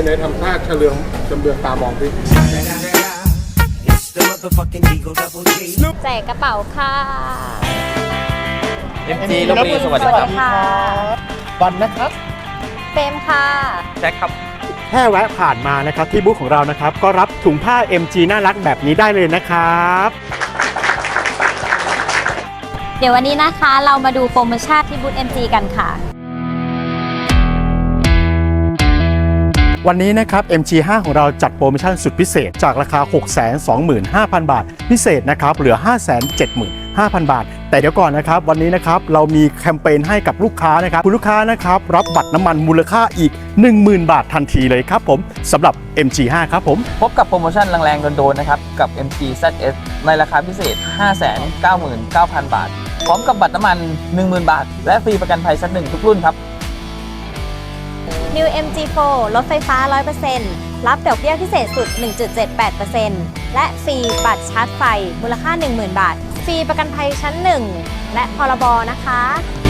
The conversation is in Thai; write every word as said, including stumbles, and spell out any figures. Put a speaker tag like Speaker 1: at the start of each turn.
Speaker 1: ไหนทำท่าเฉลืองจำเบืองตามองพี่
Speaker 2: แจกกระเป๋าค่ะ
Speaker 3: เอ็ม จี ลพบุรีสวัสดีครับ
Speaker 2: ค่ะ
Speaker 4: วันนะครับ
Speaker 2: เฟรมค่ะ
Speaker 3: แจ็คครับ
Speaker 4: แค่แวะผ่านมานะครับที่บูธของเรานะครับก็รับถุงผ้า เอ็ม จี น่ารักแบบนี้ได้เลยนะครับ
Speaker 2: เดี๋ยววันนี้นะคะเรามาดูโปรโมชั่นที่บูธ เอ็ม จี กันค่ะ
Speaker 4: วันนี้นะครับ เอ็ม จี ห้า ของเราจัดโปรโมชั่นสุดพิเศษจากราคา หกแสนสองหมื่นห้าพัน บาทพิเศษนะครับเหลือ ห้าแสนเจ็ดหมื่นห้าพัน บาทแต่เดี๋ยวก่อนนะครับวันนี้นะครับเรามีแคมเปญให้กับลูกค้านะครับคุณลูกค้านะครับรับบัตรน้ำมันมูลค่าอีก หนึ่งหมื่น บาททันทีเลยครับผมสำหรับ เอ็ม จี ห้า ครับผม
Speaker 3: พบกับโปรโมชั่นแรงๆโดนๆนะครับกับ เอ็ม จี แซด เอส ในราคาพิเศษ ห้าแสนเก้าหมื่นเก้าพัน บาทพร้อมกับบัตรน้ำมัน หนึ่งหมื่น บาทและฟรีประกันภัยชั้นหนึ่งทุกรุ่นครับ
Speaker 2: New เอ็ม จี โฟร์ รถไฟฟ้า ร้อยเปอร์เซ็นต์ รับดอกเบี้ยพิเศษสุด หนึ่งจุดเจ็ดแปดเปอร์เซ็นต์ และฟรีบัตรชาร์จไฟมูลค่า หนึ่งหมื่น บาท ฟรีประกันภัยชั้นหนึ่งและพรบนะคะ